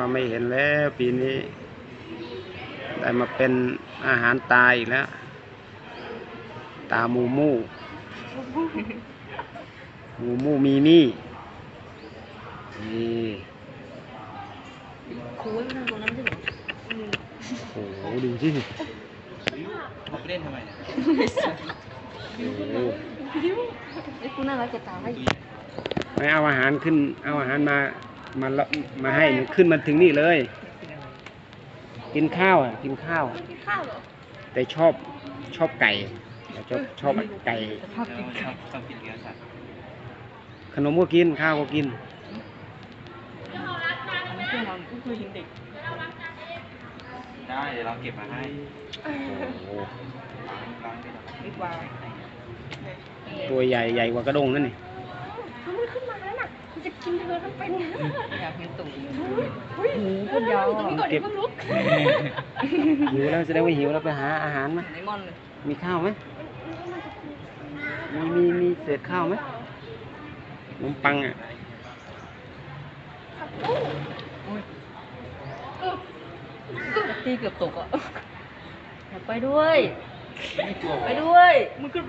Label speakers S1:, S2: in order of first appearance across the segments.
S1: ว่าไม่เห็นแล้วปีนี้ได้มาเป็นอาหารตายอีกแล้วตามูมูมูมูมีมี่นี่
S2: ครูไม่ทำตรงนั้นใช่ไหม
S1: โอ้โหดูสิ
S3: เขาไปเล่นทำไมเนี่ย
S1: โอ้โห
S2: ไอ้ครูน่ารักจะตาย
S1: ไม่เอาอาหารขึ้นเอาอาหารมาให้ขึ้นมาถึงนี่เลย กินข้าวอ่ะกินข้าว
S2: กินข้าวเหรอ
S1: แต่ชอบไก่ชอบไก่
S3: ชอบกินเนื้อสัตว์
S1: ขนมก็กินข้าวก็กิน
S2: เพื่อนเราก็คือเห็นเด็ก
S3: ได้เดี๋ยวเราเก็บมาให้
S1: โอ้โห
S3: ล้างไปหน่อย
S2: ดีกว่า
S1: ตัวใหญ่กว่ากระด้งนั่นนี่
S2: มันขึ้นมาแล้วน่ะมันจะกินเธอทั้งเป็นอยากเห็นตุ่มหู
S1: เ
S2: คนยาว
S1: เก็บหิวแล้วแสดงว่าหิวแล้วไปหาอาหารไหม
S2: ไอมอนเลย
S1: มีข้าวไหมมีเศษข้าวไหมขนมปังอ่ะ
S2: ตีเกือบตกอ่ะอยากไปด้วยไปด้วยมึงขึ้นไป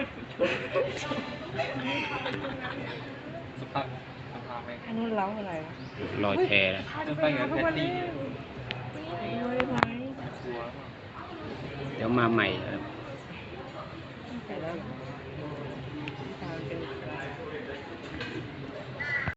S3: สภาพแม่ง
S2: อันนู้นเล้าอะไร
S1: ลอยแพแล้ว
S3: จะไปกับแพตตี้
S2: ไปด้วยไหม
S3: ครัว
S1: เดี๋ยวมาใหม่ครับ